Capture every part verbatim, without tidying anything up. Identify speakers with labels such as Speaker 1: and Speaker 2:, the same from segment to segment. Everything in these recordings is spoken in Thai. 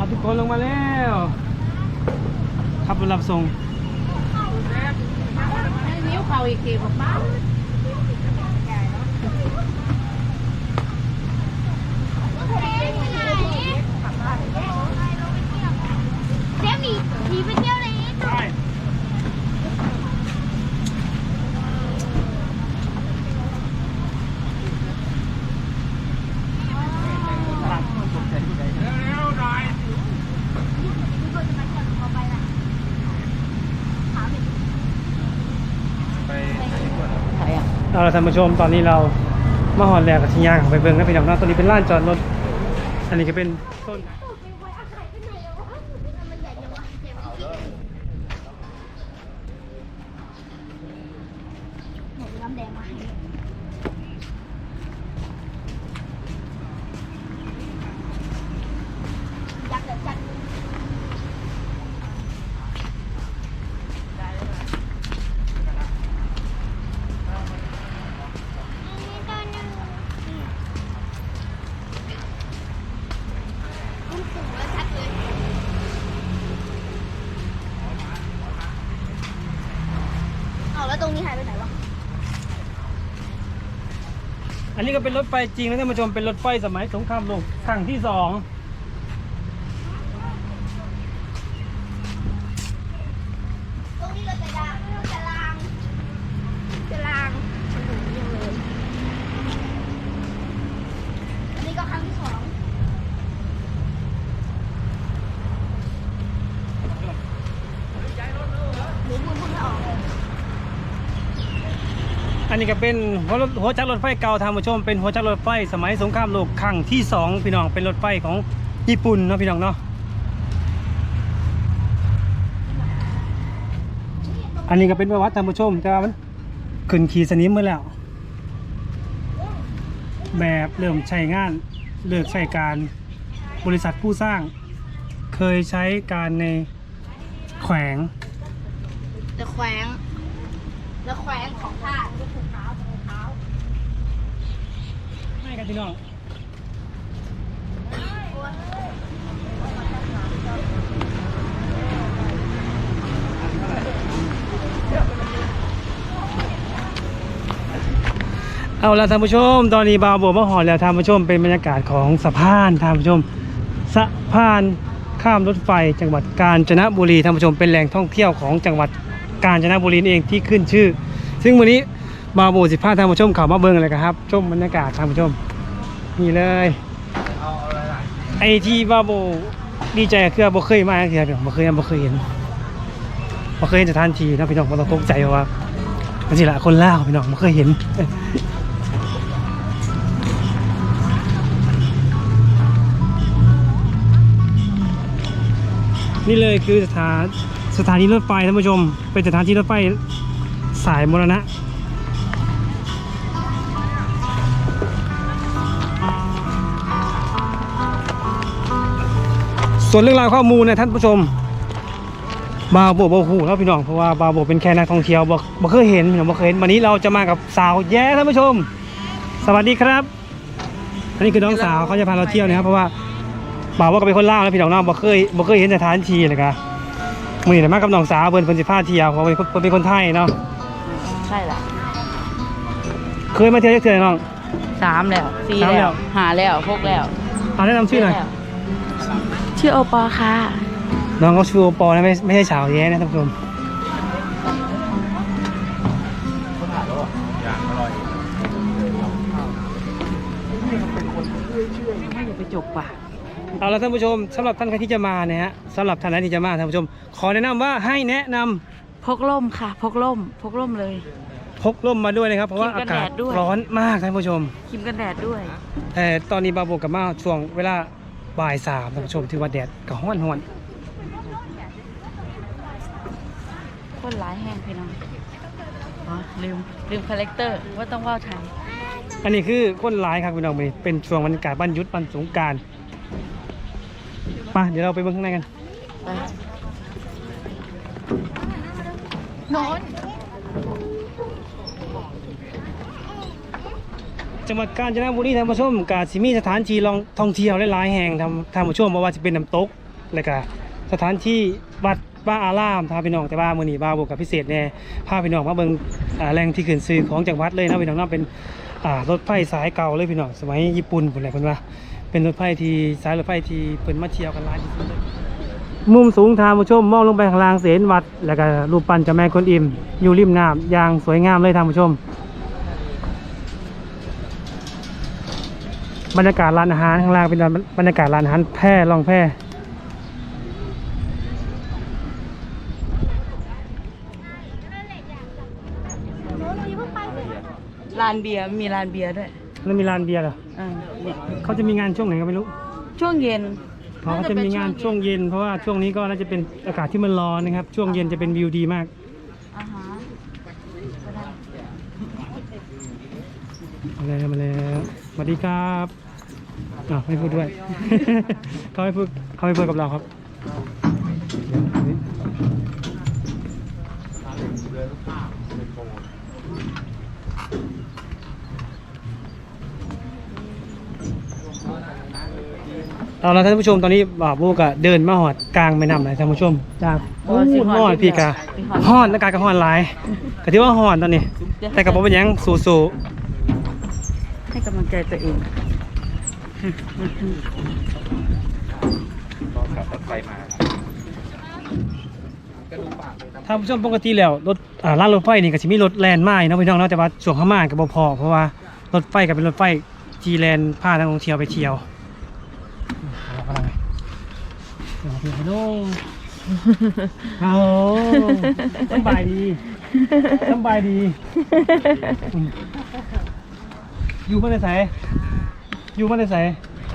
Speaker 1: ทุกคนลงมาแล้วขับรถรับส่ง
Speaker 2: นิ้วเข่าอีกทีบอกบ้าเจ๊มีมีไปเที่ยวเลยได้
Speaker 1: เอาละท่านผู้ชมตอนนี้เรามาหอดแล้วกับชิยางไปเบิ่งนะพี่น้องนะตอนนี้เป็นลานจอดรถอันนี้ก็เป็นต้น
Speaker 2: น้ำแดงมาให้ยักษ์เดือดจัดแล้วตรงนี้หายไปไหนวะ
Speaker 1: อันนี้ก็เป็นรถไฟจริงนะท่านผู้ชมเป็นรถไฟสมัยสงครามโลกครั้งที่สอง
Speaker 2: ตรงนี้เราจะรางจะรางจะรางอันนี้ก็ครั้งที่สองหรือพูดพูดไม่ออกเลย
Speaker 1: อันนี้ก็เป็นหัวรถหัวจักรรถไฟเก่าท่านผู้ชมเป็นหัวจักรรถไฟสมัยสงครามโลกครั้งที่สองพี่น้องเป็นรถไฟของญี่ปุ่นเนาะพี่น้องเนาะอันนี้ก็เป็นประวัติท่านผู้ชมแต่ว่ามันขึ้นขี่สนิมมาแล้วแบบเริ่มใช้งานเลิกใช้การบริษัทผู้สร้างเคยใช้การในแขวง
Speaker 2: จะแขวงแล้วแขวงของท่าจะถูกเท้าถูกเท้า
Speaker 1: ให้กันพี่น้องเอาละท่านผู้ชมตอนนี้บาวโบมาหอดแล้วท่านผู้ชมเป็นบรรยากาศของสะพานท่านผู้ชมสะพานข้ามรถไฟจังหวัดกาญจนบุรีท่านผู้ชมเป็นแหล่งท่องเที่ยวของจังหวัดกาญจนบุรีเองที่ขึ้นชื่อซึ่งวันนี้บาวโบสิบห้าท่านผู้ชมข่าวมาเบิ้งอะไรกันครับชมบรรยากาศท่านผู้ชมนี่เลยไอที่บาวโบดีใจคือบ่เคยมาเทียบบ่เคยบ่เคยเห็นบ่เคยเห็นสถานที่นะพี่น้องบ่ต้องตกใจว่ามันสิละคนลาวพี่น้องบ่เคยเห็นนี่เลยคือสถานสถานีรถไฟท่านผู้ชมเป็นสถานที่รถไฟสายมรณะส่วนเรื่องราวข้อมูลนะท่านผู้ชมบาวโบบ่ฮู้แล้วพี่น้องเพราะว่าบาวโบเป็นแค่นักท่องเที่ยวบ่บ่เคยเห็นพี่น้องบ่เคยเห็นวันนี้เราจะมากับสาวแย้ท่านผู้ชมสวัสดีครับอันนี้คือน้องสาวเขาจะพาเราเที่ยวนะครับเพราะว่าบ่าวว่าก็เป็นคนลาวแล้วพี่น้องน้องบ่เคยบ่เคยเห็นสถานที่เลยครับมื้อนี้มากับน้องสาวเพิ่นเพิ่นสิพาเที่ยวเพราะเป็นคนเป็นคนไทยเนาะ
Speaker 2: ใช่ละ
Speaker 1: เคยมาเที่ยวเทื่อน้อง
Speaker 2: สามแล้วสี่แล้วหาแล้วหกแล้ว
Speaker 1: เอาแนะนำชื่อหน่อย
Speaker 2: ชื่อโอปอค่ะ
Speaker 1: น้องเขาชื่อโอปอนะไม่ไม่ใช่สาวแย้นะท่านผู้ชม
Speaker 2: ไม่อย่าไปจกป่ะ
Speaker 1: เอาละท่านผู้ชมสำหรับท่านใครที่จะมาเนี่ยฮะสำหรับท่านไหนที่จะมาท่านผู้ชมขอแนะนำว่าให้แนะนำ
Speaker 2: พกร่มค่ะพกร่มพกร่มเลย
Speaker 1: พกร่มมาด้วยนะครับเพราะว่าอากาศร้อนมากท่านผู้ชม
Speaker 2: ครีมกันแดดด้วย
Speaker 1: แต่ตอนนี้บาโบกับมาช่วงเวลาบ่ายสามท่านผู้ชมถือว่าแดดก็ร้อนร้อน
Speaker 2: คนร้ายแห้งพี่น้องอ๋อลืมลืมคาแรคเตอร์ว่าต้องว่าวไทย
Speaker 1: อันนี้คือคนร้ายครับพี่น้องเป็นช่วงบรรยากาศวันหยุดวันสงกรานต์ไปเดี๋ยวเราไปเบิ่งข้างในกัน
Speaker 2: นอน
Speaker 1: จังหวัดกาญจนบุรีท่านผู้ชมกาสิมีสถานที่ลองท่องเที่ยวหลายๆแห่งทำท่านผู้ชมบอกว่าจะเป็นน้ำตกแล้วก็สถานที่วัดบ้าอารามท่าพี่น้องแต่ว่ามื้อนี้บ่าวบวกกับพิเศษแน่พาพี่น้องมาเบิ่งอ่าแหล่งที่ขึ้นชื่อของจังหวัดเลยนะพี่น้องเนาะเป็นอ่ารถไฟสายเก่าเลยพี่น้องสมัยญี่ปุ่นพุ่นแหละเพิ่นว่าเป็นรถไฟที่สายรถไฟที่เพิ่นมาเที่ยวกันหลายที่สุดเลยมุมสูงท่านผู้ชมมองลงไปข้างล่างเสนวัดแล้วก็รูปปั้นเจ้าแม่กวนอิมอยู่ริมน้ำอย่างสวยงามเลยท่านผู้ชมบรรยากาศร้านอาหารข้างล่างเป็นบรรยากาศร้านอาหารแพร่ล่องแพร่
Speaker 2: ร้านเบียร์มีร้านเบียร์ด้วย
Speaker 1: แล้วมีร้านเบียร์เหรอ
Speaker 2: อ่าเนี่ย
Speaker 1: เขาจะมีงานช่วงไหนก็ไม่รู้
Speaker 2: ช่วงเย็น
Speaker 1: เพราะเขาจะมีงานช่วงเย็นเพราะว่าช่วงนี้ก็น่าจะเป็นอากาศที่มันร้อนนะครับช่วงเย็นจะเป็นวิวดีมาก
Speaker 2: อ่าฮะ
Speaker 1: มาแล้วมาแล้วสวัสดีครับอ่าวไม่พูดด้วย เขาไม่พูดเขาไม่พูดกับเราครับเอาละท่านผู้ชมตอนนี้บ่าวบูกะเดินมาหอดกลางแม่น้ำเลยท่านผู้ชมจากอู้หอดพี่กะหอดอากาศก็หอดหลายก็ที่ว่าหอดตอนนี้ แต่กับผมเป็นหยังสู้ๆ
Speaker 2: ให้กำลังใจตัวเอง
Speaker 1: ท่านผู้ชมปกติแล้วรถอ่าร้านรถไฟนี่ก็จะมีรถแลนด์มาเนาะพี่น้องเนาะแต่ว่าช่วงข้างมาก็บ่พอเพราะว่ารถไฟก็เป็นรถไฟจีแลนด์พานักท่องเที่ยวไปเที่ยวฮัลโหลฮัลโหลสบายดีสบายดีอยู่มาในไสอยู่มาในไส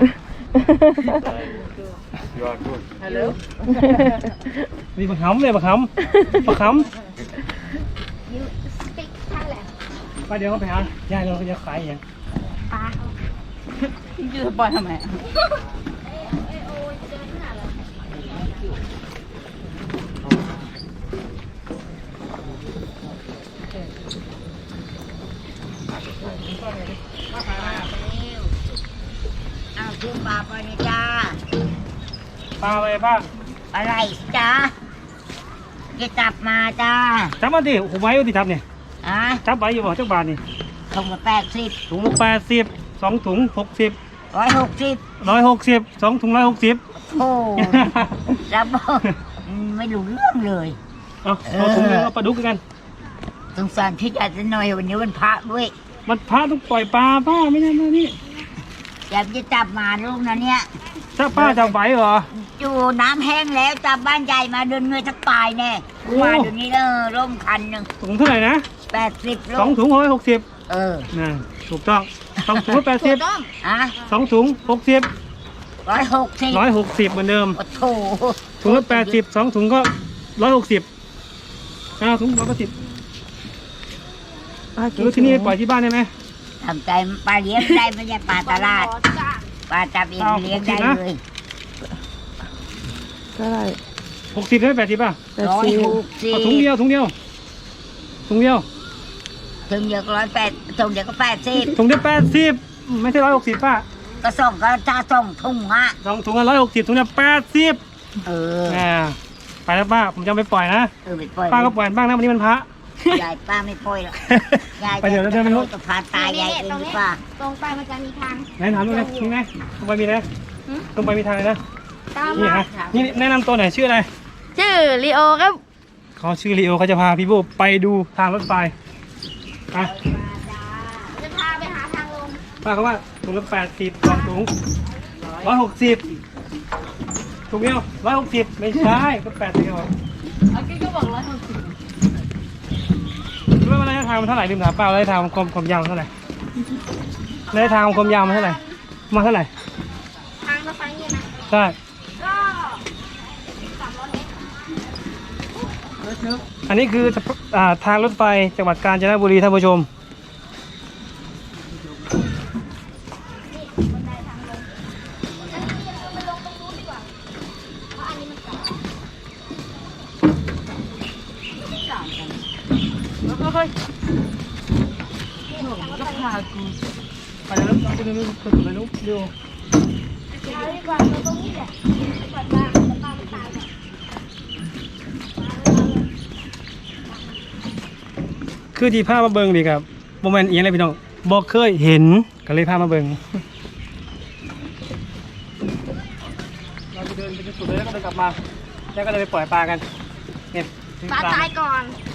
Speaker 3: You are good.
Speaker 2: ฮัลโหล
Speaker 1: มีบักขำเลยบักขำบักข
Speaker 4: You speak Thailand
Speaker 1: ำไปเดี๋ยวเขาไปหาย่าเราจะขายอย่าง
Speaker 4: ปลา
Speaker 2: ยูจะปล่อยทำไม
Speaker 4: เอาซื้อปลาไปนะจ้า
Speaker 1: ปลาไปป้า
Speaker 4: อะไรจ้าจะจับมาจ้า
Speaker 1: จับมาดิผมไว้อยู่ที่จับเนี่ย
Speaker 4: อ่ะ
Speaker 1: จับไว้อยู่บ่จักบาทนี่
Speaker 4: ถุงละแปดสิบ
Speaker 1: ถุงละแปดสิบสองถุงหกสิบ
Speaker 4: ร้อยหกสิบ
Speaker 1: ร้อยหกสิบสองถุงร้อยหกสิบ
Speaker 4: โอ้รับบอกไม่รู้เรื่องเลย
Speaker 1: เอาเอาถุงนึงเอาปลาดุกกัน
Speaker 4: สงสารพี่อาจจะหน่อยวันนี้วันพระด้วย
Speaker 1: มันพระต้องปล่อยปลาป้าไม่ใช่มานี่
Speaker 4: อยากจะจับมาลูกนะเนี่ย
Speaker 1: ถ้าป้าจะไหวเหรอ
Speaker 4: จูน้ำแห้งแล้วจับบ้านใหญ่มาเดินเงยจะตายแน่
Speaker 1: โอ้
Speaker 4: มาเดี๋ยวนี้เออร่มคันหนึ่ง
Speaker 1: ถุงเท่าไหร่นะ
Speaker 4: แปดสิบลู
Speaker 1: สอง
Speaker 4: ก
Speaker 1: ถุงร้อยหกสิบ
Speaker 4: เออ
Speaker 1: น่ะถูกต้องสองถุงแปดสิบ
Speaker 4: อ่ะ
Speaker 1: สองถุงหกสิบ
Speaker 4: ร้อยหกสิบ
Speaker 1: ร้อยหกสิบเหมือนเดิม
Speaker 4: โอ้โถ
Speaker 1: ถุงละแปดสิบสองถุงก็ร้อยหกสิบอ้าวถุงร้อยแปดสิบแล้วที่นี่ปล่อยที่บ้านได้ไหม
Speaker 4: ทำใจปลาเลี้ยงได้ไม่ใช่ปลาตลาดปลาจับเอง
Speaker 1: เอา
Speaker 4: เลี้ยง
Speaker 1: หกสิ
Speaker 4: ได้
Speaker 1: บนะ
Speaker 4: เลย
Speaker 2: ก็ได้
Speaker 1: หกสิบได้แปดสิบป่ะ
Speaker 4: ร้อยหกสิบ
Speaker 1: เอาถุงเดียวถุงเดียวถุงเดียว
Speaker 4: ถึงเดียวก็ร้อยแปดถุงเดียวก็แปดสิบ
Speaker 1: ถุงเดียวแปดสิบไม่ใช่ร้อยหกสิบป่ะ
Speaker 4: ก็ส่งก็จะส่งถุงอ่ะ
Speaker 1: สองถุงละร้อยหกสิบถุงละแปดสิบ
Speaker 4: เออ
Speaker 1: อ่าไปแล้วป้าผมจะเอาไปปล่อยนะ
Speaker 4: เออไปปล่อย
Speaker 1: ป้าก็ปล่อยบ้างนะวันนี้มันพระ
Speaker 4: ยายป้าไม่ปล่อยหรอกยาย
Speaker 1: ไปเดี๋ยวเราเดินไปนู้น
Speaker 4: จะพาตายยายเองดีกว่า
Speaker 5: ตรงไปมันจะมีทาง
Speaker 1: ไหนถามดูนะมีไหมตรงไปมีนะตรงไปมีทางเลยนะ
Speaker 5: ตาม
Speaker 1: นี่
Speaker 5: มา
Speaker 1: ฮะนี่แนะนำตัวหน่อยชื่ออะไร
Speaker 2: ชื่อลีโอครับ
Speaker 1: เขาชื่อลีโอเขาจะพาพี่โบไปดูทางรถไฟอ่ะ
Speaker 5: จะพาไปหาทางลง
Speaker 1: ป้าเขาว่าถุงละแปดสิบสองถุงร้อยหกสิบถุงเดียวร้อยหกสิบไม่ใช่ก็แปดสิบครับ
Speaker 2: เมื่อกี้ก็บอกร้อยหกสิบ
Speaker 1: รู้ว่าระยะทางมันเท่าไหร่ลืมถามป้าระยะทางความความยาวมันเท่าไหร่ระยะทางความยาวมันเท่าไหร่มาเท่าไหร่
Speaker 5: ทางรถไฟเนี่ยนะ
Speaker 1: ใช่
Speaker 5: ก็สามร้อยเมตร
Speaker 1: อันนี้คืออ่าทางรถไฟจังหวัดกาญจนบุรีท่านผู้ชม
Speaker 5: บันไดทางลงอันนี้เราไปลงตรงนู้นดีกว่าเพราะอันนี้มันเก่า
Speaker 2: แล้วก็ค่อยก็พากู
Speaker 1: ไปเดี๋ยวเราไปดูดูดูดูดูดู
Speaker 5: เอาดีกว่าเราตรงนี้แหละดีกว่าทางจะไป
Speaker 1: คือที่พามาเบิ่งนี่ครับบ่แม่นอีหยังเลยพี่น้องบ่เคยเห็นก็เลยพามาเบิ่งเราจะเดินไปจนสุดเลยแล้วก็เดินกลับมาแล้วก็เดินไปปล่อยปลากันเนี่ย
Speaker 5: ปลาตายก่อน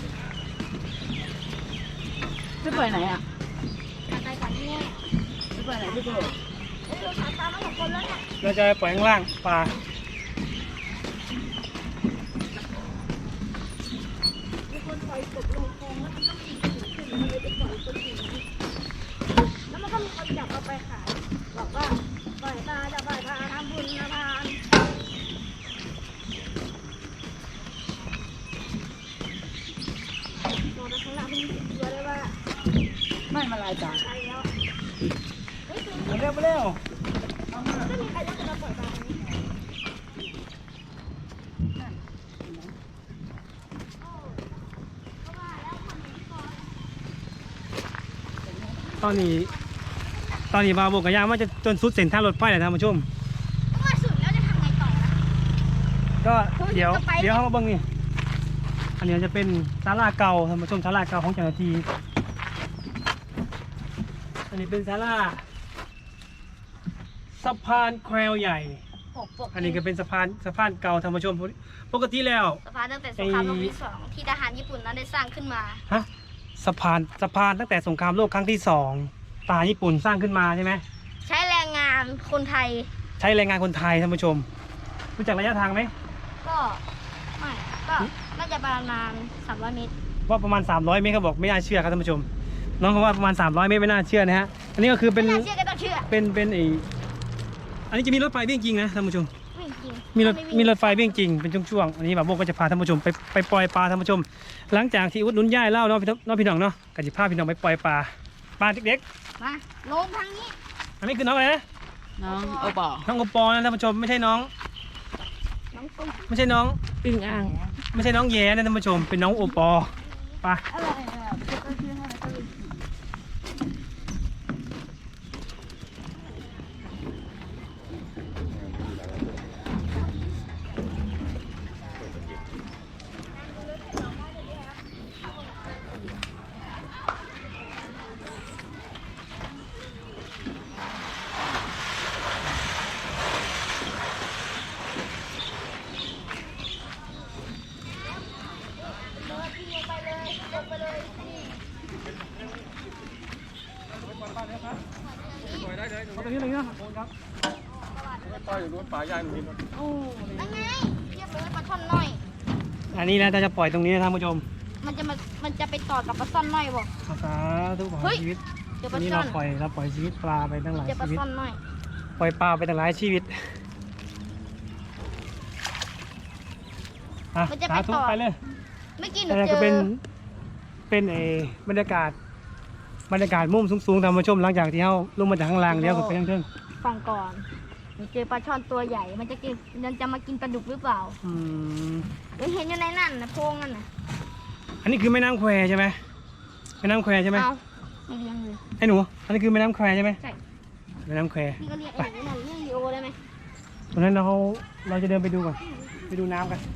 Speaker 2: พี่เปิดไหนอ่ะ
Speaker 5: ปลาตายก่อนนี่
Speaker 2: พี่เปิดไหนพี่เปิด
Speaker 5: เอ้ยเราสายปลามาหกคนแล้วเนี่ย
Speaker 1: เราจะไปปล่อยข้างล่างปลา
Speaker 5: มีคนปล่อยกบลงคลองแล้วมันก็มีขึ้นมันเลยไปปล่อยคนอื่นแล้วมันก็มีคนจับเอาไปขายบอกว่าปล่อยปลาจะปล่อยปลาทำบุญนะพานมองไปข้างหน้ามันมีเตัวเลยว่า
Speaker 2: ไม่มาลายจ้า
Speaker 5: ไปแล้วเฮ้ยคือ
Speaker 1: มาเร็วมาเร็ว
Speaker 5: ไม่มีใครรู้จะมาปล่อยปลาไหม
Speaker 1: ตอนนี้ ตอนนี้บาโบกกับยางว่าจะจนสุดเส้นทางรถไฟเลยท่านผู้ชม
Speaker 5: ถ้าว่าสุดแล้วจะทำไงต่อนะ
Speaker 1: ก็เดี๋ยว
Speaker 5: จะไป
Speaker 1: เดี๋ยวเขามาเบิ่งนี่อันนี้จะเป็นศาลาเก่าท่านผู้ชมศาลาเก่าของเจ้าหน้าที่อันนี้เป็นศาลาสะพานแควใหญ่
Speaker 5: ปกปก
Speaker 1: อันนี้ก็เป็นสะพานสะพานเก่าท่านผู้ชมปกติแล้ว
Speaker 5: สะพานตั้งแต่สงครามโลกที่สองที่ทหารญี่ปุ่นนั้นได้สร้างขึ้นมา
Speaker 1: ฮะสะพานสะพานตั้งแต่สงครามโลกครั้งที่สองทหารญี่ปุ่นสร้างขึ้นมาใช่ไหม
Speaker 5: ใช้แรงงานคนไทย
Speaker 1: ใช้แรงงานคนไทยท่านผู้ชมรู้จักระยะทางไหม
Speaker 5: ก็ไม่ก็น่าจะประมาณสามร้อยเมตร
Speaker 1: ว่าประมาณสามร้อยเมตรเขาบอกไม่น่าเชื่อครับท่านผู้ชม น้องเขาว่าประมาณสามร้อยเมตรไม่น่าเชื่อนะฮะอันนี้ก็คือเป็น
Speaker 5: ไม่น่าเชื่อก็ต้องเชื่อ
Speaker 1: เป็นเป็นไออันนี้จะมีรถไฟวิ่งจริงนะท่านผู้ชม
Speaker 5: ไม่จริง
Speaker 1: มีรถ
Speaker 5: ไวิ่ง
Speaker 1: มีรถไฟวิ่งจริงเป็นช่วงๆอันนี้แบบโบก็จะพาท่านผู้ชมไปไปปล่อยปลาท่านผู้ชม หลังจากที่อุดหนุนย่ายเล่าเนาะพี่น้องพี่น้องเนาะก็จะพาพี่น้องไปปล่อยปลาปลาเด็ก
Speaker 5: มาลงทางนี้
Speaker 1: ๆอันนี้คือน้องอะไรนะ
Speaker 2: น้องโอปอ
Speaker 1: น้องกปอนะท่านผู้ชมไม่ใช่น้อง
Speaker 5: น้องกุ้ง
Speaker 1: ไม่ใช่น้อง
Speaker 2: อึ่งอ่าง
Speaker 1: ไม่ใช่น้องแย่นะท่านผู้ชมเป็นน้องโอปอไป
Speaker 5: อะไรอ่ะก็ชื่อให้แล้วก็เลยขี่
Speaker 1: เอาตรงนี้เลยนะครั
Speaker 3: ปลาอยู่นู้นปลาย่างนู้น
Speaker 1: โอ้
Speaker 5: นั่นไงเรียบร้อยปลาช่อนน้อย
Speaker 1: อันนี้นะจะปล่อยตรงนี้นะท่านผู้ชม
Speaker 5: มันจะมามันจะไปต่อกับปลาซ่อนน้อยบ่
Speaker 1: ภาษาทุกของ
Speaker 5: เฮ้ย
Speaker 1: ชีวิต
Speaker 5: เดี๋ยวป
Speaker 1: วั
Speaker 5: ลาน
Speaker 1: นี้
Speaker 5: ซ่อ
Speaker 1: เรา
Speaker 5: น
Speaker 1: ปล่อยเราปล่อยชีวิตปลาไปตั้งหลาย
Speaker 5: เดี๋ยวปลา
Speaker 1: ชีวิต
Speaker 5: ซ่อนน้อย
Speaker 1: ปล่อยปลาไปตั้งหลายชีวิตอ่ะสาธุไปเลย
Speaker 5: เมื่อกี้หนู
Speaker 1: แต่
Speaker 5: เจ
Speaker 1: ก็
Speaker 5: อ
Speaker 1: เป็นเป็นเออบรรยากาศบรรยากาศมุมสูงๆท่านผู้ชมหลังจากที่เขาลงมาจากข้างล่างเลี้ยวขึ้นไปข้างเทิง
Speaker 5: ฟังก่อนหนูเจอปลาช่อนตัวใหญ่ มันจะกินมันจะมากินปลาดุกหรือเปล่า
Speaker 1: อืม
Speaker 5: หนูเห็นอยู่ในนั่นนะโพรงนั่นน่ะ
Speaker 1: อันนี้คือแม่น้ำแควใช่ไหมแม่น้ำแควใช่ไหม
Speaker 5: เอาไม่เลี้ยงเลย
Speaker 1: ไอ้หนูอันนี้คือแม่น้ำแควใช่ไหม
Speaker 5: ใช่
Speaker 1: แม่น้ำแคว
Speaker 5: พี่ก็เรียกไอ้หนูนั่นเรียกลีโอได้ไหม
Speaker 1: ตอนนั้นเราเราจะเดินไปดูก่อนไปดูน้ำกัน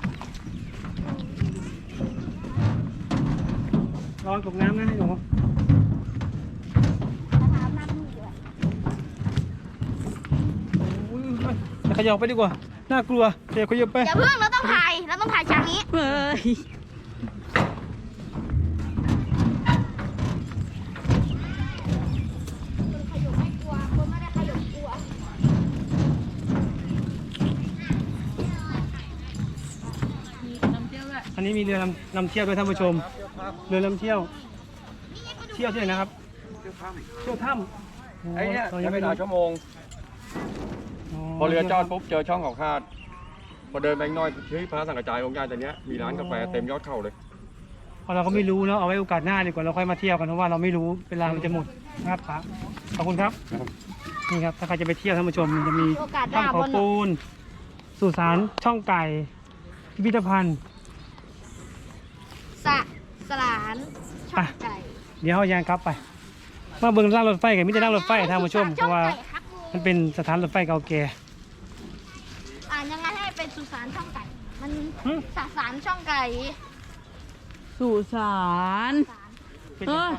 Speaker 1: ระวังตกน้ำนะไอ้หนู
Speaker 5: มาถามน้ำมือเดือด
Speaker 1: อุ้ยเดี๋ยวขยับไปดีกว่า น่ากลัวเดี๋ยวขยับไป
Speaker 5: อย่าเพิ่งเราต้องถ่ายเราต้องถ่ายฉากนี้
Speaker 2: เฮ้ย
Speaker 5: คนขยุกไม่กลัว คนไม่ได้ขยุกกลัว
Speaker 2: มีน้ำเที่ยวด้วย
Speaker 1: อันนี้มีเรือนำนำเที่ยวด้วยท่านผู้ชม เรือนำเที่ยว เที่ยวที่ไหนนะครับ เที่ยวถ้ำโ
Speaker 3: ไอ้เนี่ย
Speaker 1: เรา
Speaker 3: ใช้
Speaker 1: ยัง
Speaker 3: เว
Speaker 1: ไม่
Speaker 3: ลา
Speaker 1: รู้
Speaker 3: ชั่วโมง พอเรือจอดปุ๊บเจอช่องเขาคาด พอเดินไปอีกหน้อยที่พระสังกระจายองค์การแต่เนี้ยมีร้านกาแฟเต็มยอดเขาเลย
Speaker 1: เพราะเราก็ไม่รู้เนาะเอาไว้โอกาสหน้าดีกว่าเราค่อยมาเที่ยวกันเพราะว่าเราไม่รู้เวลามันจะหมดนะครับครับขอบคุณครับ นี่ครับถ้าใครจะไปเที่ยวท่านผู้ชมมันจะมี
Speaker 5: โอกาสห
Speaker 1: ช่อ
Speaker 5: น้าง
Speaker 1: เขา
Speaker 5: บน
Speaker 1: ปูนสุสานช่องไก่พิพิธภัณฑ์
Speaker 5: สะสลานช่องไก่
Speaker 1: เดี๋ยวเขายางครับไป มาเบิ่งล่างรถไฟกันมิจะนั่งรถไฟท่านผู้ชมเพราะว่ามันเป็นสถานรถไฟเก่าแก่
Speaker 5: อ่านยังไงให้เป็นสุสานช่องไก่ มัน
Speaker 1: หึ
Speaker 5: สสารช่องไก่
Speaker 2: สุสาน
Speaker 5: สาร
Speaker 2: เออ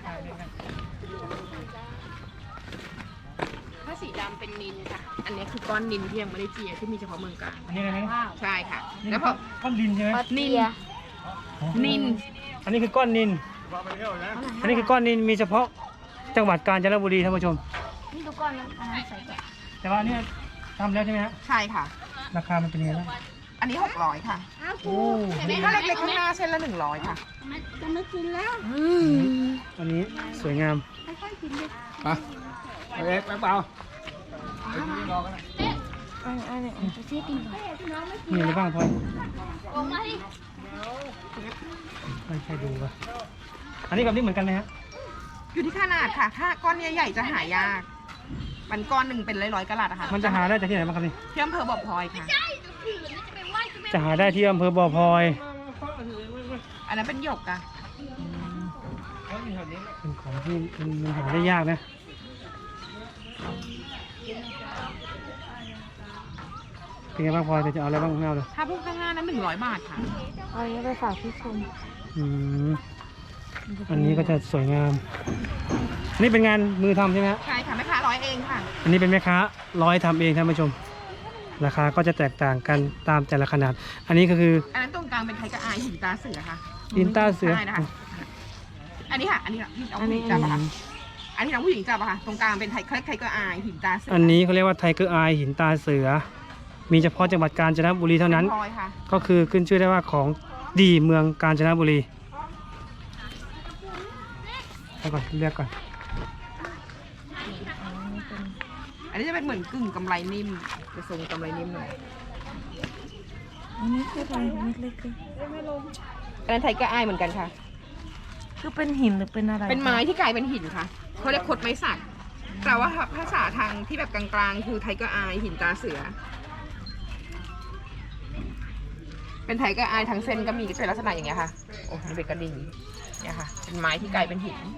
Speaker 6: ถ้าสีดำเป็นนินค่ะ อันนี้คือก้อนนินที่ยังไม่ได้เจียที่มีเฉพาะเมืองกาญ
Speaker 1: อันนี้อะไรนะ
Speaker 6: ใช่ค่ะ
Speaker 1: นี่
Speaker 6: แล้ว
Speaker 1: คื
Speaker 6: พ
Speaker 1: อ
Speaker 6: อ
Speaker 1: ก้อนดินใช่ไหม
Speaker 6: นิน นิน
Speaker 1: อันนี้คือก้อนนินอันนี้คือก้อนนินมีเฉพาะจังหวัดกาญจนบุรีท่านผู้ชม
Speaker 5: นี่ดูก่อนนะอันนั้นใส่ก่อน
Speaker 1: แต่ว่าอันเนี่ยทำแล้วใช่ไหมฮะ
Speaker 6: ใช่ค่ะ
Speaker 1: ราคามันเป็นยังไงบ้าง
Speaker 6: อันนี้หกร้อยค่ะ
Speaker 5: อ้าว
Speaker 1: โอ้
Speaker 6: ถ้าเล็กๆข้างหน้าเส้นละหนึ่งร้อยค่ะ
Speaker 5: มันจะไม่กินแล้ว
Speaker 1: อันนี้สวยงาม
Speaker 5: ค่อยๆกินดิ
Speaker 3: ไปเอ็กซ์เปล่า
Speaker 5: อันอันนี้จะเสียกินก่อนน้องไม่
Speaker 1: มีอะไรบ้างพลอย
Speaker 5: ลงมาดิ
Speaker 1: ไม่ใช่ดูป่ะอันนี้กับนี่เหมือนกันไหมฮะ
Speaker 6: อยู่ที่ขนาดค่ะ ถ้าก้อนใหญ่ๆจะหายาก มันก้อนหนึ่งเป็นร้อยๆกะรัตอะค่ะ
Speaker 1: มันจะหาได้จากที่ไหนบ้างครับนี่
Speaker 6: ที่อำเภอบ่อพลอยค่ะ
Speaker 1: จะหาได้ที่อำเภอบ่อพลอย
Speaker 6: อันนั้นเป็นหยกอะ
Speaker 1: เป็นของที่มันมันหาได้ยากนะเป็นไงบ้างพลอยจะเอาอะไรบ้างไม่เอาเลย
Speaker 6: ถ้าพวกข้างหน้านั้นหนึ่งร้อยบาทค่ะ
Speaker 2: เอาอันนี้ไปฝากพี่ชม
Speaker 1: อืมอันนี้ก็จะสวยงามอันนี้เป็นงานมือทำใช่ไหมฮะ
Speaker 6: ใช่ค่ะแม่ค้าร้อยเองค่ะ
Speaker 1: อันนี้เป็นแม่ค้าร้อยทำเองท่านผู้ชม ราคาก็จะแตกต่างกันตามแต่ละขนาด อันนี้ก็คือ
Speaker 6: อันนั้นตรงกลางเป็นไทยกระอายหินตาเสือค่ะ
Speaker 1: อินต้าเสือ
Speaker 6: ใช่นะคะ อันนี้ค่ะ อันนี้ที่น้องผู้หญิงจับอะค่ะ อันนี้น้องผู้หญิงจับอะค่ะ ตรงกลางเป็นไทยคล้ายไทยกระอายหินตาเสือ
Speaker 1: อันนี้เขาเรียกว่าไทเกอร์อายหินตาเสือ มีเฉพาะจังหวัดกาญจนบุรีเท่านั้น
Speaker 6: พลอยค่ะ
Speaker 1: ก็คือขึ้นชื่อได้ว่าของดีเมืองกาญจนบุรีเดี๋ยวก่อนเลือกก่อน
Speaker 6: อันนี้จะเป็นเหมือนกึ่งกำไรนิ่มจะทรงกำไรนิ่มหน่อย
Speaker 2: อันนี้คืออะไรเม็ดเล็กคือ
Speaker 6: อันนั้นไทยกระอายเหมือนกันค่ะ
Speaker 2: คือเป็นหินหรือเป็นอะไร
Speaker 6: เป็นไม้ที่กลายเป็นหินค่ะเขาเรียกคดไม้สักแต่ว่าภาษาทางที่แบบกลางๆ คือไทยกระอายหินตาเสือ เป็นไทยกระอายทั้งเส้นก็มีเป็นลักษณะอย่างเงี้ยค่ะ โอ้มันเป็นกระดิ่งเนี่ยค่ะ เป็นไม้ที่กลายเป็นหิน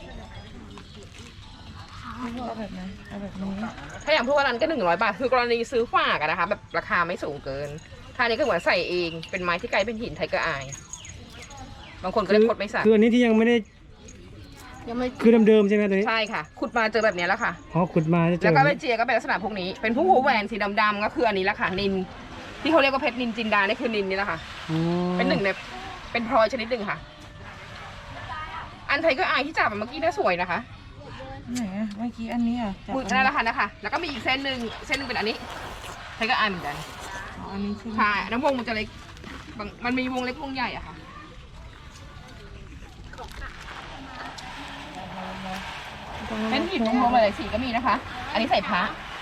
Speaker 2: เอาแบบไหนเอาแบบนี้
Speaker 6: ถ้าอย่างพวกนั้นก็หนึ่งร้อยบาท คือกรณีซื้อฝากอะนะคะ แบบราคาไม่สูงเกิน ถ้านี้ก็เหมือนใส่เอง เป็นไม้ที่กลายเป็นหินไทยกระอาย บางคนก็เรียกคดไม้สัก
Speaker 1: คืออันนี้ที่ยังไม่ได้
Speaker 6: ยังไม่
Speaker 1: คือเดิมๆใช่ไหมตัวนี้
Speaker 6: ใช่ค่ะ ขุดมาเจอแบบเนี้ยแล้วค่ะ
Speaker 1: อ๋อขุดมาจะเจ
Speaker 6: แล้ว
Speaker 1: อ
Speaker 6: ก็ไปเจียก็เป็นลักษณะพวกนี้ เป็นผู้หูแหวนสีดำๆก็คืออันนี้แหละค่ะ นิน ที่เขาเรียกว่าเพชรนินจินดานี่คือนินนี่แหละค่ะ
Speaker 1: อ๋อ
Speaker 6: เป็นหนึ่งในเป็นพลอยชนิดหนึ่งค่ะ อันไทยก็อายที่จับอะเมื่อกี้น่าสวยนะคะ
Speaker 2: ไหนอะเมื่อกี้อันนี้อ่ะจับ
Speaker 6: มือนั่นแหละค่ะนะคะ แล้วก็มีอีกเส้นหนึ่งเส้นหนึ่งเป็นอันนี้ไทยก็อายเหมือนกัน
Speaker 2: อ๋ออันนี้ใช่ไหม
Speaker 6: ใช่น้ำวงมันจะเล็กบางมันมีวงเล็กวงใหญ่อะค่ะ เป็นหินวงๆหลายๆสีก็มีนะคะ อันนี้ใส่พระ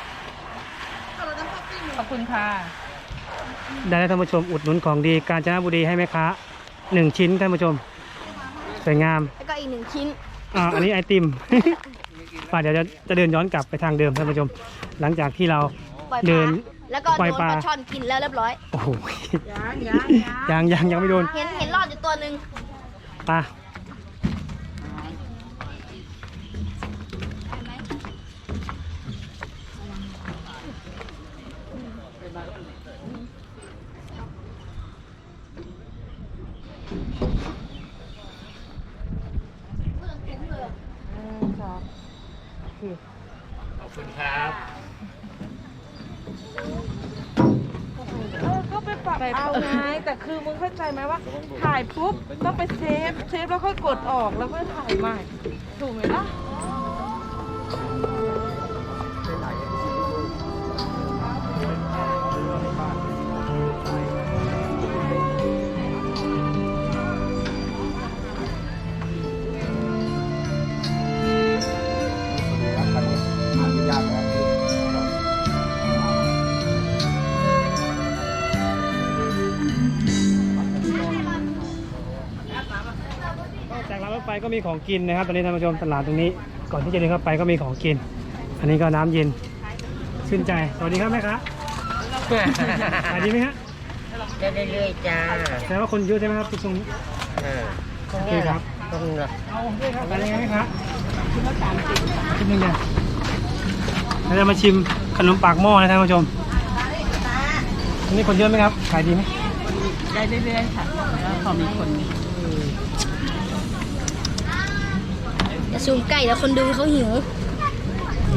Speaker 6: ขอบคุณค่ะ
Speaker 1: ได้แล้วท่านผู้ชมอุดหนุนของดีกาญจนบุรีให้แม่ค้าหนึ่งชิ้นท่านผู้ชมสวยงาม
Speaker 5: แล้วก็อีกหนึ่งชิ้น
Speaker 1: อ่าอันนี้ไอติม ป่าเดี๋ยวจะจะเดินย้อนกลับไปทางเดิมท่านผู้ชม หลังจากที่เรา
Speaker 5: ปล่อยป
Speaker 1: เดิ
Speaker 5: ลาน แล้วก็
Speaker 1: ปล่
Speaker 5: โด
Speaker 1: อย
Speaker 5: น
Speaker 1: ปลา
Speaker 5: ปลาช่อนกินแล้วเรียบร้อย
Speaker 1: โอ้โหยังยังยังไม่โดน
Speaker 5: เห็นเห็นรอดอยู่ตัวหนึ่ง
Speaker 1: ปลาขอบคุณครับ
Speaker 2: เออก็ไปปรับเอาไงแต่คือมึงเข้าใจไหมว่า ถ่ายปุ๊บต้องไปเซฟเซฟแล้วค่อยกดออกแล้วค่อยถ่ายใหม่ ถูกไหมล่ะ
Speaker 1: จากร้านรถไฟก็มีของกินนะครับตอนนี้ท่านผู้ชมตลาดตรงนี้ ก่อนที่จะเดินเข้าไปก็มีของกิน อันนี้ก็น้ำเย็นชื่นใจสวัสดีครับแม่ค้าขายดีไหมฮะ
Speaker 4: เรื่อยๆจ้า
Speaker 1: แสดงว่าคนเยอะใช่ไหมครับตรงนี้
Speaker 4: ตรงนี้เหรอตรงนี้เหรอ
Speaker 1: เอาผมด้วยครับขายยังไงไหมครับชิ้นหนึ่งเนี่ยเราจะมาชิมขนมปากหม้อนะท่านผู้ชมอันนี้คนเยอะไหมครับขายดีไหม
Speaker 6: ได้เรื่อยๆค่ะแล้วพอมีคน
Speaker 5: อย่าซูมใกล้แล้วคนดูเขาหิว
Speaker 1: โอ้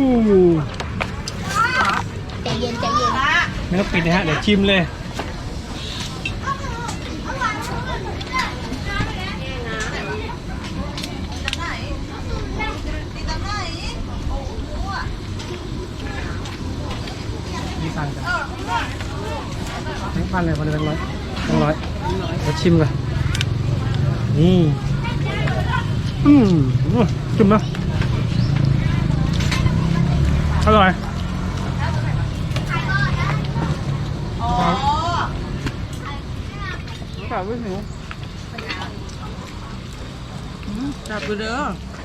Speaker 5: ใจเย็นใจเย็น
Speaker 1: ไม่ต้องปิดนะฮะเดี๋ยวชิมเลยนี่สั่งกันแบงค์พันเลยพันเลยแบงค์ร้อยแบงค์ร้อยเดี๋ยวชิมก่อนนี่อืมชิมนะอร่อยจับไปหิวจับไปเด้อ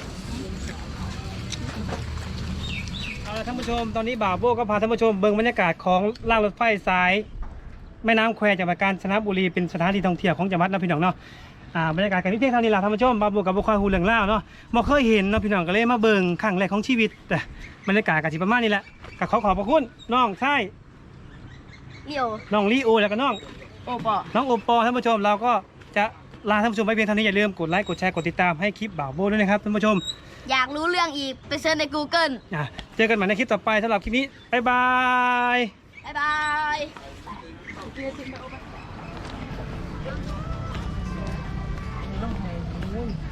Speaker 1: เอาละท่านผู้ชมตอนนี้บ่าวโบ้ก็พาท่านผู้ชมเบิ่งบรรยากาศของล่างรถไฟสายแม่น้ำแควจังหวัดกาญจนบุรีเป็นสถานที่ท่องเที่ยวของจังหวัดนะพี่น้องเนาะอ่าบรรยากาศกันที่เพียงเท่านี้แหละท่านผู้ชมบ่าวโบ้กับบุคคลหูเหลืองล่าวเนาะบ่เคยเห็นเนาะพี่น้องก็เลยมาเบิ่งครั้งแรกของชีวิตแต่บรรยากาศก็สิประมาณนี้แหละก็ขอขอบพระคุณน้องชาย
Speaker 5: เดี๋ยว
Speaker 1: น้องลีโอแล้วก็น้อง
Speaker 2: โอ้ปอ
Speaker 1: น้องโอปอท่านผู้ชมเราก็จะลาท่านผู้ชมไปเพียงเท่านี้อย่าลืมกดไลค์กดแชร์กดติดตามให้คลิปบ่าวโบ้ด้วยนะครับท่านผู้ชม
Speaker 5: อยากรู้เรื่องอีกไปเซิร์ชใน Google
Speaker 1: อ่ะเจอกันใหม่ในคลิปต่อไปสำหรับคลิปนี้บ๊ายบาย
Speaker 5: บ๊ายบาย
Speaker 2: เ